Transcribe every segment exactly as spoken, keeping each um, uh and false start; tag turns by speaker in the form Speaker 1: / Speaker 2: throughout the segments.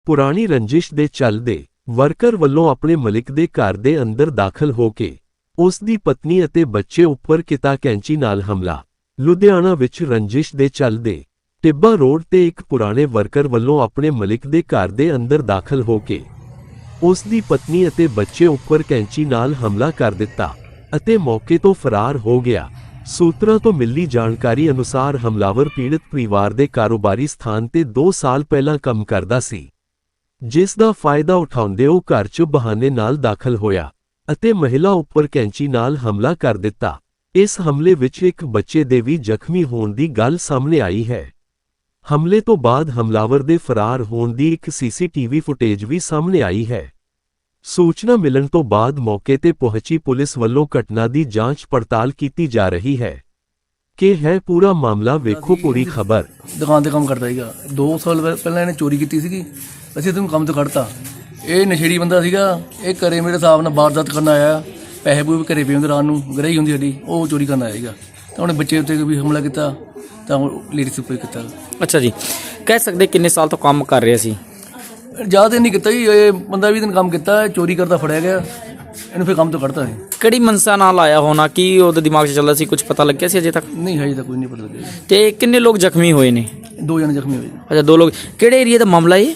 Speaker 1: ਪੁਰਾਣੀ ਰੰਜਿਸ਼ ਦੇ ਚੱਲਦੇ ਵਰਕਰ ਵੱਲੋਂ ਆਪਣੇ ਮਲਿਕ ਦੇ ਘਰ ਦੇ ਅੰਦਰ ਦਾਖਲ ਹੋ ਕੇ ਉਸ ਦੀ ਪਤਨੀ ਅਤੇ ਬੱਚੇ ਉੱਪਰ ਕੀਤਾ ਕੈਂਚੀ ਨਾਲ ਹਮਲਾ। ਲੁਧਿਆਣਾ ਵਿੱਚ ਰੰਜਿਸ਼ ਦੇ ਚੱਲਦੇ ਟਿੱਬਾ ਰੋਡ ਤੇ ਇੱਕ ਪੁਰਾਣੇ ਵਰਕਰ ਵੱਲੋਂ ਆਪਣੇ ਮਲਿਕ ਦੇ ਘਰ ਦੇ ਅੰਦਰ ਦਾਖਲ ਹੋ ਕੇ ਉਸ ਦੀ ਪਤਨੀ ਅਤੇ ਬੱਚੇ ਉੱਪਰ ਕੈਂਚੀ ਨਾਲ ਹਮਲਾ ਕਰ ਦਿੱਤਾ ਅਤੇ ਮੌਕੇ ਤੋਂ ਫਰਾਰ ਹੋ ਗਿਆ। ਸੂਤਰਾਂ ਤੋਂ ਮਿਲੀ ਜਾਣਕਾਰੀ ਅਨੁਸਾਰ ਹਮਲਾਵਰ ਪੀੜਤ ਪਰਿਵਾਰ ਦੇ ਕਾਰੋਬਾਰੀ ਸਥਾਨ ਤੇ ਦੋ ਸਾਲ ਪਹਿਲਾਂ ਕੰਮ ਕਰਦਾ ਸੀ, ਜਿਸ ਦਾ ਫਾਇਦਾ ਉਠਾਉਂਦੇ ਉਹ ਘਰ 'ਚ ਬਹਾਨੇ ਨਾਲ ਦਾਖਲ ਹੋਇਆ ਅਤੇ ਮਹਿਲਾ ਉੱਪਰ ਕੈਂਚੀ ਨਾਲ ਹਮਲਾ ਕਰ ਦਿੱਤਾ। ਇਸ ਹਮਲੇ ਵਿੱਚ ਇੱਕ ਬੱਚੇ ਦੇ ਵੀ ਜ਼ਖਮੀ ਹੋਣ ਦੀ ਗੱਲ ਸਾਹਮਣੇ ਆਈ ਹੈ। ਹਮਲੇ ਤੋਂ ਬਾਅਦ ਹਮਲਾਵਰ ਦੇ ਫਰਾਰ ਹੋਣ ਦੀ ਇੱਕ ਸੀਸੀਟੀਵੀ ਫੁਟੇਜ ਵੀ ਸਾਹਮਣੇ ਆਈ ਹੈ। ਸੂਚਨਾ ਮਿਲਣ ਤੋਂ ਬਾਅਦ ਮੌਕੇ ਤੇ ਪਹੁੰਚੀ ਪੁਲਿਸ ਵੱਲੋਂ ਘਟਨਾ ਦੀ ਜਾਂਚ ਪੜਤਾਲ ਕੀਤੀ ਜਾ ਰਹੀ ਹੈ। ਕਿ ਹੈ ਪੂਰਾ ਮਾਮਲਾ, ਵੇਖੋ ਪੂਰੀ ਖਬਰ।
Speaker 2: ਦੁਕਾਨ ਤੇ ਕੰਮ ਕਰਦਾ ਸੀਗਾ, ਦੋ ਸਾਲ ਪਹਿਲਾਂ ਇਹਨੇ ਚੋਰੀ ਕੀਤੀ ਸੀਗੀ, ਅਸੀਂ ਤੈਨੂੰ ਕੰਮ ਤੋਂ ਕੱਢਤਾ। ਇਹ ਨਸ਼ੇੜੀ ਬੰਦਾ ਸੀਗਾ, ਇਹ ਘਰੇ ਮੇਰੇ ਹਿਸਾਬ ਨਾਲ ਵਾਰਦਾਤ ਕਰਨ ਆਇਆ, ਪੈਸੇ ਪੂਸੇ ਘਰੇ ਪਏ ਹੁੰਦੇ, ਰਾਤ ਨੂੰ ਗਰਾਈ ਹੁੰਦੀ ਸਾਡੀ, ਉਹ ਚੋਰੀ ਕਰਨ ਆਇਆ ਸੀਗਾ। ਤਾਂ ਉਹਨੇ ਬੱਚੇ ਉੱਤੇ ਵੀ ਹਮਲਾ ਕੀਤਾ, ਤਾਂ ਲੇਡੀਜ਼ ਉੱਪਰ ਕੀਤਾ।
Speaker 3: ਅੱਛਾ ਜੀ, ਕਹਿ ਸਕਦੇ ਕਿੰਨੇ ਸਾਲ ਤੋਂ ਕੰਮ ਕਰ ਰਿਹਾ ਸੀ?
Speaker 2: ਜ਼ਿਆਦਾ ਨਹੀਂ ਕੀਤਾ ਜੀ, ਇਹ ਬੰਦਾ ਵੀ ਦਿਨ ਕੰਮ ਕੀਤਾ, ਚੋਰੀ ਕਰਦਾ ਫੜਿਆ ਗਿਆ, ਇਹਨੂੰ ਫਿਰ ਕੰਮ ਤੋਂ ਕੱਢਤਾ ਸੀ।
Speaker 3: ਕਿਹੜੀ ਮਨਸਾ ਨਾਲ ਆਇਆ ਹੋਣਾ, ਕੀ ਉਹਦੇ ਦਿਮਾਗ 'ਚ ਚੱਲਦਾ ਸੀ, ਕੁਝ ਪਤਾ ਲੱਗਿਆ ਸੀ ਅਜੇ ਤੱਕ?
Speaker 2: ਨਹੀਂ ਹਜੇ ਤੱਕ ਕੋਈ ਨਹੀਂ ਪਤਾ ਲੱਗਿਆ।
Speaker 3: ਤੇ ਕਿੰਨੇ ਲੋਕ ਜ਼ਖਮੀ ਹੋਏ ਨੇ?
Speaker 2: ਦੋ ਜਣੇ ਜ਼ਖਮੀ ਹੋਏ।
Speaker 3: ਅੱਛਾ, ਦੋ ਲੋਕ। ਕਿਹੜੇ ਏਰੀਆ ਦਾ ਮਾਮਲਾ ਇਹ?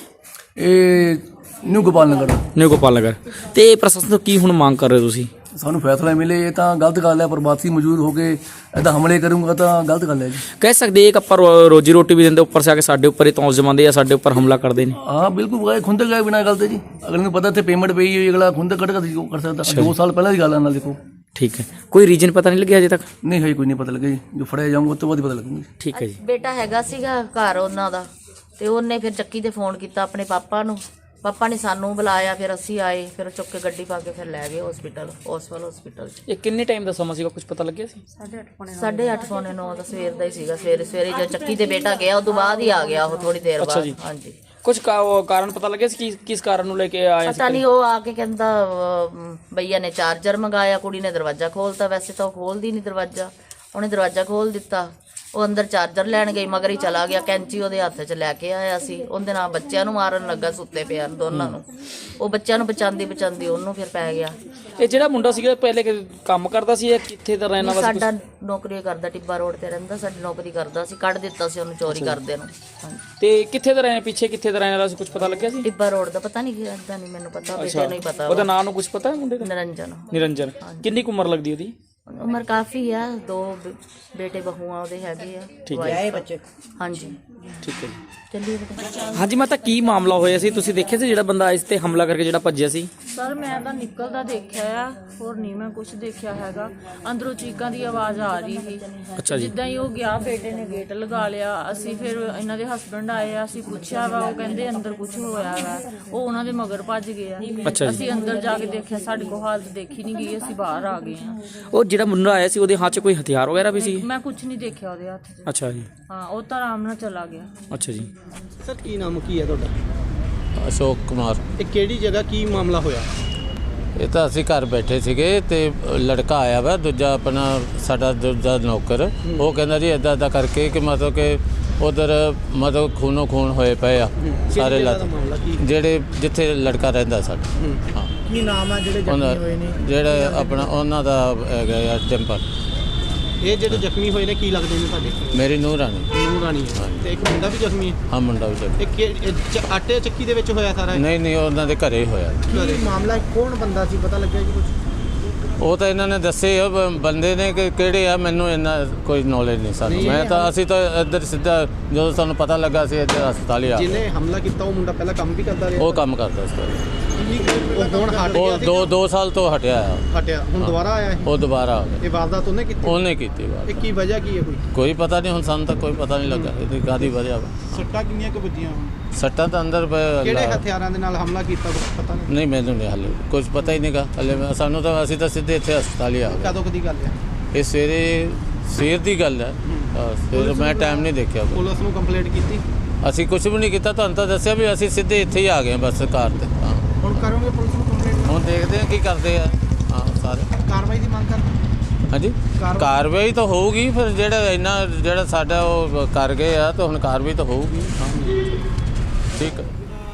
Speaker 2: ਇਹ ਨਿਊ ਗੋਪਾਲ ਨਗਰ।
Speaker 3: ਨਿਊ ਗੋਪਾਲ ਨਗਰ। ਤੇ ਪ੍ਰਸ਼ਾਸਨ ਤੋਂ ਕੀ ਹੁਣ ਮੰਗ ਕਰ ਰਹੇ ਹੋ ਤੁਸੀਂ?
Speaker 2: ਸਾਨੂੰ ਫੈਸਲਾ ਮਿਲੇ, ਇਹ ਤਾਂ ਗਲਤ ਗੱਲ ਹੈ। ਪ੍ਰਵਾਸੀ ਮੌਜੂਦ ਹੋ ਕੇ ਇੱਦਾਂ ਹਮਲੇ ਕਰੂੰਗਾ ਤਾਂ ਗਲਤ ਗੱਲ ਹੈ ਜੀ।
Speaker 3: ਕਹਿ ਸਕਦੇ ਇੱਕ ਆਪਾਂ ਰੋ- ਰੋਜੀ ਰੋਟੀ ਵੀ ਦਿੰਦੇ, ਉੱਪਰ ਸੇ ਆ ਕੇ ਸਾਡੇ ਉੱਪਰ ਹੀ ਤੌਂਸ ਜਮਾਉਂਦੇ ਆ, ਸਾਡੇ ਉੱਪਰ ਹਮਲਾ ਕਰਦੇ ਨੇ।
Speaker 2: ਹਾਂ ਬਿਲਕੁਲ, ਖੁੰਦਕ ਗਏ ਬਿਨਾਂ ਗੱਲ ਤੇ ਜੀ। ਅਗਲੇ ਨੂੰ ਪਤਾ ਇੱਥੇ ਪੇਮੈਂਟ ਪਈ ਹੋਈ, ਅਗਲਾ ਖੁੰਦਕ ਕੱਢ ਕੇ ਕਰ ਸਕਦਾ। ਦੋ ਸਾਲ ਪਹਿਲਾਂ ਦੀ ਗੱਲ ਹੈ ਨਾਲ, ਦੇਖੋ।
Speaker 3: ਠੀਕ ਹੈ, ਕੋਈ ਰੀਜਨ ਪਤਾ ਨਹੀਂ ਲੱਗਿਆ ਅਜੇ ਤੱਕ?
Speaker 2: ਨਹੀਂ ਹਜੇ ਕੋਈ ਨਹੀਂ ਪਤਾ ਲੱਗਿਆ ਜੀ, ਜੋ ਫੜਿਆ ਜਾਊਗਾ ਉਸ ਤੋਂ ਬਾਅਦ ਹੀ ਪਤਾ ਲੱਗੂਗਾ।
Speaker 3: ਠੀਕ ਹੈ ਜੀ।
Speaker 4: ਬੇਟਾ ਹੈਗਾ ਸੀਗਾ ਘਰ ਉਹਨਾਂ ਦਾ, ਤੇ ਉਹਨੇ ਫਿਰ ਚੱਕੀ ਤੇ ਫੋਨ ਕੀਤਾ ਆਪਣੇ ਪਾਪਾ ਨੂੰ, ਪਾਪਾ ਨੇ ਸਾਨੂੰ ਬੁਲਾਇਆ, ਫਿਰ ਅਸੀਂ ਆਏ, ਫਿਰ ਚੁੱਕ ਕੇ ਗੱਡੀ ਪਾ ਕੇ ਫਿਰ ਲੈ ਗਏ ਹਸਪੀਟਲ, ਓਸਵਾਲ ਹਸਪੀਟਲ।
Speaker 3: ਇਹ ਕਿੰਨੇ ਟਾਈਮ ਦਾ ਸਮਾਂ ਸੀਗਾ, ਕੁਝ ਪਤਾ ਲੱਗਿਆ ਸੀ?
Speaker 4: ਸਾਢੇ ਅੱਠ ਪੌਣੇ ਨੌ ਦਾ ਸਵੇਰ ਦਾ ਹੀ ਸੀਗਾ। ਸਵੇਰੇ ਸਵੇਰੇ ਜਦ ਚੱਕੀ ਤੇ ਬੇਟਾ ਗਿਆ, ਉਦੋਂ ਬਾਅਦ ਹੀ ਆ ਗਿਆ ਉਹ, ਥੋੜੀ ਦੇਰ ਬਾਅਦ। ਹਾਂਜੀ,
Speaker 3: ਕੁਝ ਕਾਰਨ ਪਤਾ ਲੱਗਿਆ ਸੀ ਕਿ ਕਿਸ ਕਾਰਨ ਨੂੰ ਲੈ ਕੇ ਆਇਆ ਸੀ?
Speaker 4: ਪਤਾ ਨਹੀਂ, ਉਹ ਆ ਕੇ ਕਹਿੰਦਾ ਅਹ, ਭਈਆ ਨੇ ਚਾਰਜਰ ਮੰਗਾਇਆ, ਕੁੜੀ ਨੇ ਦਰਵਾਜ਼ਾ ਖੋਲਤਾ। ਵੈਸੇ ਤਾਂ ਉਹ ਖੋਲਦੀ ਨਹੀਂ ਦਰਵਾਜ਼ਾ, ਉਹਨੇ ਦਰਵਾਜ਼ਾ ਖੋਲ ਦਿੱਤਾ। ਉਹ ਅੰਦਰ ਚਾਰਜਰ ਲੈਣ ਗਈ, ਮਗਰ ਹੀ ਚਲਾ ਗਿਆ। ਕੈਂਚੀ ਉਹਦੇ ਹੱਥ 'ਚ ਲੈ ਕੇ ਆਇਆ ਸੀ, ਉਹਦੇ ਨਾਲ ਬੱਚਿਆਂ ਨੂੰ ਮਾਰਨ ਲੱਗਾ, ਸੁੱਤੇ ਪਿਆ ਦੋਨਾਂ ਨੂੰ। ਉਹ ਬੱਚਿਆਂ ਨੂੰ ਬਚਾਉਂਦੀ ਬਚਾਉਂਦੀ ਉਹਨੂੰ ਫਿਰ ਪੈ ਗਿਆ।
Speaker 3: ਇਹ ਜਿਹੜਾ ਮੁੰਡਾ ਸੀਗਾ ਪਹਿਲੇ ਕੰਮ ਕਰਦਾ ਸੀ, ਇਹ ਕਿੱਥੇ ਦਾ ਰਹਿਣ ਵਾਲਾ ਸੀ?
Speaker 4: ਸਾਡਾ ਨੌਕਰੀ ਕਰਦਾ, ਟਿੱਬਾ ਰੋਡ ਤੇ ਰਹਿੰਦਾ, ਸਾਡੀ ਨੌਕਰੀ ਕਰਦਾ ਸੀ। ਕੱਢ ਦਿੱਤਾ ਸੀ ਉਹਨੂੰ ਚੋਰੀ ਕਰਦੇ ਨੂੰ। ਹਾਂਜੀ।
Speaker 3: ਤੇ ਕਿੱਥੇ ਦਾ ਰਹਿਣ, ਪਿੱਛੇ ਕਿੱਥੇ ਦਾ ਰਹਿਣ ਵਾਲਾ ਸੀ, ਕੁਝ ਪਤਾ ਲੱਗਿਆ ਸੀ?
Speaker 4: ਟਿੱਬਾ ਰੋਡ ਦਾ ਪਤਾ ਨਹੀਂ, ਇਦਾਂ ਨਹੀਂ ਮੈਨੂੰ ਪਤਾ, ਬੇਟੇ ਨੂੰ ਹੀ ਪਤਾ।
Speaker 3: ਉਹਦਾ ਨਾਮ ਨੂੰ ਕੁਝ ਪਤਾ ਹੈ ਮੁੰਡੇ ਦਾ?
Speaker 4: ਨਿਰੰਜਨ।
Speaker 3: ਨਿਰੰਜਨ। ਕਿੰਨੀ ਕੁ ਉਮਰ ਲੱਗਦੀ ਉਹਦੀ?
Speaker 4: ਉਮਰ ਕਾਫੀ ਆ, ਦੋ ਬ- ਬੇਟੇ ਬਹੂਆਂ ਉਹਦੇ ਹੈਗੇ ਆ।
Speaker 3: ਠੀਕ ਹੈ।
Speaker 4: wife ਬੱਚੇ। ਹਾਂਜੀ,
Speaker 3: ਠੀਕ ਹੈ ਜੀ।
Speaker 4: ਚੱਲੀਏ ਬੇਟਾ।
Speaker 3: ਹਾਂਜੀ ਮਾਤਾ, ਕੀ ਮਾਮਲਾ ਹੋਇਆ ਸੀ? ਤੁਸੀਂ ਦੇਖਿਆ ਸੀ ਜਿਹੜਾ ਬੰਦਾ ਇਸ ਤੇ ਹਮਲਾ ਕਰਕੇ ਜਿਹੜਾ ਭੱਜਿਆ ਸੀ?
Speaker 5: ਸਰ ਮੈਂ ਤਾਂ ਨਿਕਲਦਾ ਦੇਖਿਆ ਆ, ਹੋਰ ਨਹੀਂ ਮੈਂ ਕੁਝ ਦੇਖਿਆ ਹੈਗਾ। ਅੰਦਰੋਂ ਚੀਕਾਂ ਦੀ ਆਵਾਜ਼ ਆ ਰਹੀ ਸੀ।
Speaker 3: ਅੱਛਾ ਜੀ।
Speaker 5: ਜਿੱਦਾਂ ਹੀ ਉਹ ਗਿਆ, ਬੇਟੇ ਨੇ ਗੇਟ ਲਗਾ ਲਿਆ। ਅਸੀਂ ਫਿਰ ਇਹਨਾਂ ਦੇ ਹਸਬੰਡ ਆਏ ਆ, ਅਸੀਂ ਪੁੱਛਿਆ ਵਾ, ਉਹ ਕਹਿੰਦੇ ਅੰਦਰ ਕੁਝ ਹੋਇਆ ਵਾ। ਉਹ ਉਹਨਾਂ ਦੇ ਮਗਰ ਭੱਜ ਗਏ ਆ।
Speaker 3: ਅੱਛਾ ਜੀ।
Speaker 5: ਅਸੀਂ ਅੰਦਰ ਜਾ ਕੇ ਦੇਖਿਆ, ਸਾਡੇ ਕੋਲ ਹਾਲਤ ਦੇਖੀ ਨਹੀਂ ਗਈ, ਅਸੀਂ ਬਾਹਰ ਆ ਗਏ ਆ।
Speaker 3: ਉਹ ਜਿਹੜਾ ਮੁੰਡਾ ਆਇਆ ਸੀ, ਉਹਦੇ ਹੱਥ 'ਚ ਕੋਈ ਹਥਿਆਰ ਵਗੈਰਾ ਵੀ ਸੀ?
Speaker 5: ਮੈਂ ਕੁਝ ਨਹੀਂ ਦੇਖਿਆ ਉਹਦੇ ਹੱਥ 'ਚ।
Speaker 3: ਅੱਛਾ ਜੀ।
Speaker 5: ਹਾਂ, ਉਹ ਤਾਂ ਆਰਾਮ ਨਾਲ ਚਲਾ ਗਿਆ।
Speaker 3: ਅੱਛਾ ਜੀ।
Speaker 6: ਸਰ ਕੀ ਨਾਮ ਕੀ ਹੈ ਤੁਹਾਡਾ?
Speaker 7: ਅਸ਼ੋਕ ਕੁਮਾਰ।
Speaker 6: ਇਹ ਕਿਹੜੀ ਜਗ੍ਹਾ ਕੀ ਮਾਮਲਾ ਹੋਇਆ?
Speaker 7: ਇਹ ਤਾਂ ਅਸੀਂ ਘਰ ਬੈਠੇ ਸੀਗੇ ਤੇ ਲੜਕਾ ਆਇਆ ਵਾ ਦੂਜਾ, ਆਪਣਾ ਸਾਡਾ ਦੂਜਾ ਨੌਕਰ। ਉਹ ਕਹਿੰਦਾ ਜੀ ਇੱਦਾਂ ਇੱਦਾਂ ਕਰਕੇ ਕਿ ਮਤਲਬ ਕਿ ਉਧਰ ਮਤਲਬ ਖੂਨੋ ਖੂਨ ਹੋਏ ਪਏ ਆ ਸਾਰੇ ਲੱਤ, ਜਿਹੜੇ ਜਿੱਥੇ ਲੜਕਾ ਰਹਿੰਦਾ ਸਾਡਾ। ਹਾਂ,
Speaker 6: ਕੀ ਨਾਮ ਆ ਜਿਹੜੇ ਜ਼ਖਮੀ ਹੋਏ ਨੇ?
Speaker 7: ਜਿਹੜਾ ਆਪਣਾ ਉਹਨਾਂ ਦਾ ਹੈਗਾ ਆ ਟੈਂਪਰ।
Speaker 6: ਇਹ ਜਿਹੜੇ ਜ਼ਖਮੀ ਹੋਏ ਨੇ ਕੀ ਲੱਗਦੇ ਨੇ ਤੁਹਾਡੇ?
Speaker 7: ਮੇਰੀ ਨੂੰਹ ਰਾਣੀ।
Speaker 6: ਨੂੰਹ ਰਾਣੀ ਹੈ। ਤੇ ਇੱਕ ਮੁੰਡਾ ਵੀ ਜ਼ਖਮੀ ਹੈ?
Speaker 7: ਹਾਂ, ਮੁੰਡਾ ਵੀ ਜ਼ਖਮੀ।
Speaker 6: ਇਹ ਕਿ- ਇਹ ਚ- ਆਟੇ ਚੱਕੀ ਦੇ ਵਿੱਚ ਹੋਇਆ ਸਾਰਾ ਇਹ?
Speaker 7: ਨਹੀਂ ਨਹੀਂ, ਉਹਨਾਂ ਦੇ ਘਰੇ ਹੀ ਹੋਇਆ।
Speaker 6: ਕੀ ਮਾਮਲਾ, ਕੌਣ ਬੰਦਾ ਸੀ, ਪਤਾ ਲੱਗਿਆ ਜੀ ਕੁਝ?
Speaker 7: ਉਹ ਤਾਂ ਇਹਨਾਂ ਨੇ ਦੱਸੇ ਆ ਬ- ਬੰਦੇ ਨੇ ਕਿ ਕਿਹੜੇ ਆ, ਮੈਨੂੰ ਇੰਨਾ ਕੋਈ ਨੌਲੇਜ ਨਹੀਂ ਸਾਨੂੰ। ਮੈਂ ਤਾਂ ਅਸੀਂ ਤਾਂ ਇੱਧਰ ਸਿੱਧਾ ਜਦੋਂ ਸਾਨੂੰ ਪਤਾ ਲੱਗਾ ਸੀ ਇੱਧਰ ਹਸਪਤਾਲ ਹੀ ਆ ਗਏ।
Speaker 6: ਜਿਹਨੇ ਹਮਲਾ ਕੀਤਾ ਉਹ ਮੁੰਡਾ ਪਹਿਲਾਂ ਕੰਮ ਵੀ ਕਰਦਾ ਰਿਹਾ?
Speaker 7: ਉਹ ਕੰਮ ਕਰਦਾ ਸੀ।
Speaker 6: ਉਹ ਹੁਣ ਹਟ ਗਿਆ
Speaker 7: ਉਹ
Speaker 6: ਸੀ?
Speaker 7: ਦੋ ਦੋ ਸਾਲ ਤੋਂ ਹਟਿਆ ਆ।
Speaker 6: ਹਟਿਆ, ਹੁਣ ਦੁਬਾਰਾ ਆਇਆ ਇਹ?
Speaker 7: ਉਹ ਦੁਬਾਰਾ ਆ ਗਿਆ।
Speaker 6: ਇਹ ਵਾਰਦਾਤ ਉਹਨੇ ਕੀਤੀ?
Speaker 7: ਉਹਨੇ ਕੀਤੀ ਬਾਤ।
Speaker 6: ਇਹ ਕੀ ਵਜ੍ਹਾ ਕੀ ਹੈ ਕੋਈ?
Speaker 7: ਕੋਈ ਪਤਾ ਨਹੀਂ ਹੁਣ, ਸਾਨੂੰ ਤਾਂ ਕੋਈ ਪਤਾ ਨਹੀਂ ਲੱਗਾ ਇਹਦੀ ਕਾਹਦੀ ਵਜ੍ਹਾ ਵਾ।
Speaker 6: ਸੱਟਾਂ ਕਿੰਨੀਆਂ ਕੁ ਵੱਜੀਆਂ ਹੁਣ?
Speaker 7: ਸੱਟਾਂ ਤਾਂ ਅੰਦਰ ਪਏ
Speaker 6: ਕਿਹੜੇ
Speaker 7: ਅੱਲਾ-
Speaker 6: ਹਥਿਆਰਾਂ ਦੇ ਨਾਲ ਹਮਲਾ ਕੀਤਾ ਕੁਛ ਪਤਾ ਨਹੀਂ?
Speaker 7: ਨਹੀਂ, ਮੈਨੂੰ ਨਹੀਂ ਹਾਲੇ ਕੁਝ ਪਤਾ ਹੀ ਨਹੀਂਗਾ ਹਲੇ। ਸਾਨੂੰ ਤਾਂ ਅਸੀਂ ਤਾਂ ਸਿੱਧੇ ਇੱਥੇ ਹਸਪਤਾਲ ਹੀ ਆ ਗਏ।
Speaker 6: ਕਦੋਂ ਕਦੀ ਗੱਲ ਹੈ
Speaker 7: ਇਹ ਸਵੇਰੇ ਸਵੇਰ ਦੀ ਗੱਲ ਹੈ। ਹਾਂ, ਸਵੇਰ ਮੈਂ ਟਾਈਮ ਨਹੀਂ ਦੇਖਿਆ ਕੋਈ।
Speaker 6: ਪੁਲਿਸ ਨੂੰ ਕੰਪਲੇਂਟ ਕੀਤੀ?
Speaker 7: ਅਸੀਂ ਕੁਝ ਵੀ ਨਹੀਂ ਕੀਤਾ, ਤੁਹਾਨੂੰ ਤਾਂ ਦੱਸਿਆ ਵੀ ਅਸੀਂ ਸਿੱਧੇ ਇੱਥੇ ਹੀ ਆ ਗਏ ਬਸ ਕਾਰ ਤੇ। ਹਾਂ,
Speaker 6: ਹੁਣ ਕਰੋਗੇ ਪੁਲਿਸ ਨੂੰ ਕੰਪਲੇਂਟ?
Speaker 7: ਹੁਣ ਦੇਖਦੇ ਹਾਂ ਕੀ ਕਰਦੇ ਆ। ਹਾਂ, ਸਾਰੇ
Speaker 6: ਕਾਰਵਾਈ ਦੀ ਮੰਗ ਕਰਦੇ?
Speaker 7: ਹਾਂਜੀ,
Speaker 6: ਕਾਰਵਾਈ-
Speaker 7: ਕਾਰਵਾਈ ਤਾਂ ਹੋਊਗੀ। ਫਿਰ ਜਿਹੜਾ ਇੰਨਾ ਜਿਹੜਾ ਸਾਡਾ ਉਹ ਕਰ ਗਏ ਆ ਤਾਂ ਹੁਣ ਕਾਰਵਾਈ ਤਾਂ ਹੋਊਗੀ। ਹਾਂ, ਠੀਕ ਹੈ।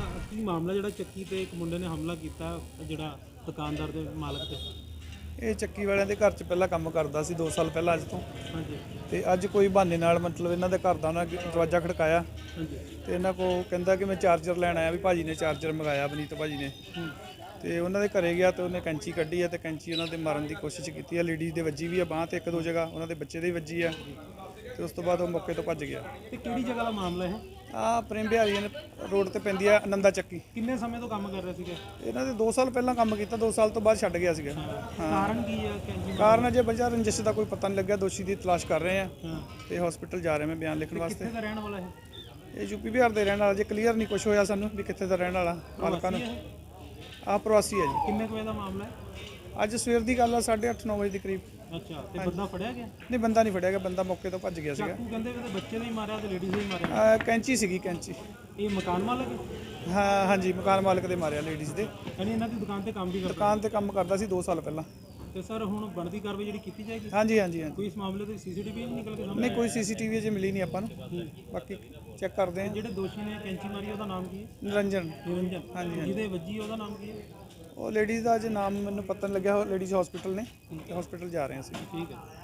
Speaker 6: ਮਾਮਲਾ ਜਿਹੜਾ ਚੱਕੀ ਤੇ ਇੱਕ ਮੁੰਡੇ ਨੇ ਹਮਲਾ ਕੀਤਾ ਜਿਹੜਾ ਦੁਕਾਨਦਾਰ ਦੇ ਮਾਲਕ ਤੇ?
Speaker 8: ਇਹ ਚੱਕੀ ਵਾਲਿਆਂ ਦੇ ਘਰ 'ਚ ਪਹਿਲਾਂ ਕੰਮ ਕਰਦਾ ਸੀ ਦੋ ਸਾਲ ਪਹਿਲਾਂ ਅੱਜ ਤੋਂ।
Speaker 6: ਹਾਂਜੀ
Speaker 8: ਤੇ ਅੱਜ ਕੋਈ ਬਹਾਨੇ ਨਾਲ ਮਤਲਬ ਇਹਨਾਂ ਦੇ ਘਰ ਦਾ ਉਹਨਾਂ ਦਰਵਾਜ਼ਾ ਖੜਕਾਇਆ
Speaker 6: ਹਾਂਜੀ
Speaker 8: ਤੇ ਇਹਨਾਂ ਕੋ ਕਹਿੰਦਾ ਕਿ ਮੈਂ ਚਾਰਜਰ ਲੈਣ ਆਇਆ, ਵੀ ਭਾਜੀ ਨੇ ਚਾਰਜਰ ਮੰਗਾਇਆ, ਬਨੀਤ ਭਾਜੀ ਨੇ। ਤੇ ਉਹਨਾਂ ਦੇ ਘਰੇ ਗਿਆ ਤੇ ਉਹਨੇ ਕੈਂਚੀ ਕੱਢੀ ਹੈ ਤੇ ਕੈਂਚੀ ਉਹਨਾਂ ਦੇ ਮਾਰਨ ਦੀ ਕੋਸ਼ਿਸ਼ ਕੀਤੀ ਹੈ। ਲੇਡੀਜ਼ ਦੇ ਵੱਜੀ ਵੀ ਆ ਬਾਂਹ ਤੇ ਇੱਕ ਦੋ ਜਗ੍ਹਾ, ਉਹਨਾਂ ਦੇ ਬੱਚੇ ਦੇ ਵੀ ਵੱਜੀ ਆ ਤੇ ਉਸ ਤੋਂ ਬਾਅਦ ਉਹ ਮੌਕੇ ਤੋਂ ਭੱਜ ਗਿਆ।
Speaker 6: ਤੇ ਕਿਹੜੀ ਜਗ੍ਹਾ ਦਾ ਮਾਮਲਾ ਹੈ?
Speaker 8: ਆ ਪ੍ਰੇਮ ਬਿਹਾਰੀ ਰੋਡ ਤੇ ਪੈਂਦੀ ਆ ਆਨੰਦਾ ਚੱਕੀ।
Speaker 6: ਕਿੰਨੇ ਸਮੇਂ ਤੋਂ ਕੰਮ ਕਰ ਰਹੇ ਸੀਗੇ?
Speaker 8: ਇਹਨਾਂ ਦੇ ਦੋ ਸਾਲ ਪਹਿਲਾਂ ਕੰਮ ਕੀਤਾ, ਦੋ ਸਾਲ ਤੋਂ ਬਾਅਦ ਛੱਡ ਗਿਆ ਸੀਗਾ।
Speaker 6: ਕਾਰਨ ਕੀ ਹੈ ਕੈਂਚੀ?
Speaker 8: ਕਾਰਨ ਅਜੇ ਵਜ੍ਹਾ ਰੰਜਿਸ਼ ਦਾ ਕੋਈ ਪਤਾ ਨਹੀਂ ਲੱਗਿਆ, ਦੋਸ਼ੀ ਦੀ ਤਲਾਸ਼ ਕਰ ਰਹੇ ਆ
Speaker 6: ਹਾਂ
Speaker 8: ਤੇ ਹਸਪੀਟਲ ਜਾ ਰਹੇ ਮੈਂ ਬਿਆਨ ਲਿਖਣ ਵਾਸਤੇ।
Speaker 6: ਕਿੱਥੇ ਦਾ ਰਹਿਣ ਵਾਲਾ ਹੈ?
Speaker 8: ਇਹ ਯੂਪੀ ਬਿਹਾਰ ਦੇ ਰਹਿਣ ਵਾਲਾ, ਜੇ ਕਲੀਅਰ ਨਹੀਂ ਕੁਝ ਹੋਇਆ ਸਾਨੂੰ ਵੀ ਕਿੱਥੇ ਦਾ ਰਹਿਣ ਵਾਲਾ ਮਾਲਕਾਂ ਨੂੰ। ਆਹ ਪ੍ਰਵਾਸੀ ਹੈ ਜੀ।
Speaker 6: ਕਿੰਨੇ ਕੁ ਵਜੇ ਦਾ ਮਾਮਲਾ ਹੈ?
Speaker 8: ਅੱਜ ਸਵੇਰ ਦੀ ਗੱਲ ਆ, ਸਾਢੇ ਅੱਠ ਨੌ ਵਜੇ ਦੇ ਕਰੀਬ।
Speaker 6: ਅੱਛਾ, ਤੇ ਬੰਦਾ ਫੜਿਆ ਗਿਆ?
Speaker 8: ਨਹੀਂ ਬੰਦਾ ਨਹੀਂ ਫੜਿਆ ਗਿਆ, ਬੰਦਾ ਮੌਕੇ ਤੋਂ ਭੱਜ ਗਿਆ ਸੀਗਾ।
Speaker 6: ਚਾਕੂ ਕਹਿੰਦੇ ਵੀ ਤੇ ਬੱਚੇ ਨੇ ਹੀ ਮਾਰਿਆ ਤੇ ਲੇਡੀਜ਼ ਨੇ ਹੀ ਮਾਰਿਆ।
Speaker 8: ਆਹ ਕੈਂਚੀ ਸੀਗੀ, ਕੈਂਚੀ।
Speaker 6: ਇਹ ਮਕਾਨ ਮਾਲਕ ਹੈ?
Speaker 8: ਹਾਂ ਹਾਂਜੀ, ਮਕਾਨ ਮਾਲਕ ਦੇ ਮਾਰਿਆ, ਲੇਡੀਜ਼ ਦੇ।
Speaker 6: ਯਾਨੀ ਇਹਨਾਂ ਦੀ ਦੁਕਾਨ ਤੇ ਕੰਮ ਵੀ ਕਰਦਾ?
Speaker 8: ਦੁਕਾਨ ਤੇ ਕੰਮ ਕਰਦਾ ਸੀ ਦੋ ਸਾਲ ਪਹਿਲਾਂ।
Speaker 6: ਤੇ ਸਰ ਹੁਣ ਬਣਦੀ ਕਾਰਵਾਈ ਜਿਹੜੀ ਕੀਤੀ ਜਾਏਗੀ?
Speaker 8: ਹਾਂਜੀ ਹਾਂਜੀ ਹਾਂਜੀ।
Speaker 6: ਕੋਈ ਇਸ ਮਾਮਲੇ ਤੇ ਸੀਸੀਟੀਵੀ ਨਹੀਂ ਨਿਕਲ ਕੇ ਸਾਹਮਣੇ?
Speaker 8: ਨਹੀਂ ਕੋਈ ਸੀਸੀਟੀਵੀ ਅਜੇ ਮਿਲੀ ਨਹੀਂ ਆਪਾਂ ਨੂੰ, ਬਾਕੀ ਚੈੱਕ ਕਰਦੇ ਹਾਂ।
Speaker 6: ਜਿਹੜੇ ਦੋਸ਼ੀ ਨੇ ਕੈਂਚੀ ਮਾਰੀ ਉਹਦਾ ਨਾਮ ਕੀ ਹੈ?
Speaker 8: ਨਿਰੰਜਨ।
Speaker 6: ਨਿਰੰਜਨ।
Speaker 8: ਹਾਂਜੀ, ਹਾਂਜੀ।
Speaker 6: ਜਿਹਦੇ ਵੱਜੀ ਉਹਦਾ ਨਾਮ ਕੀ ਹੈ?
Speaker 8: ਉਹ ਲੇਡੀਜ਼ ਦਾ ਅਜੇ ਨਾਮ ਮੈਨੂੰ ਪਤਾ ਨਹੀਂ ਲੱਗਿਆ, ਲੇਡੀਜ਼ ਹਸਪੀਟਲ ਨੇ, ਹਸਪੀਟਲ ਜਾ ਰਹੇ ਹਾਂ ਅਸੀਂ।
Speaker 6: ਠੀਕ ਹੈ।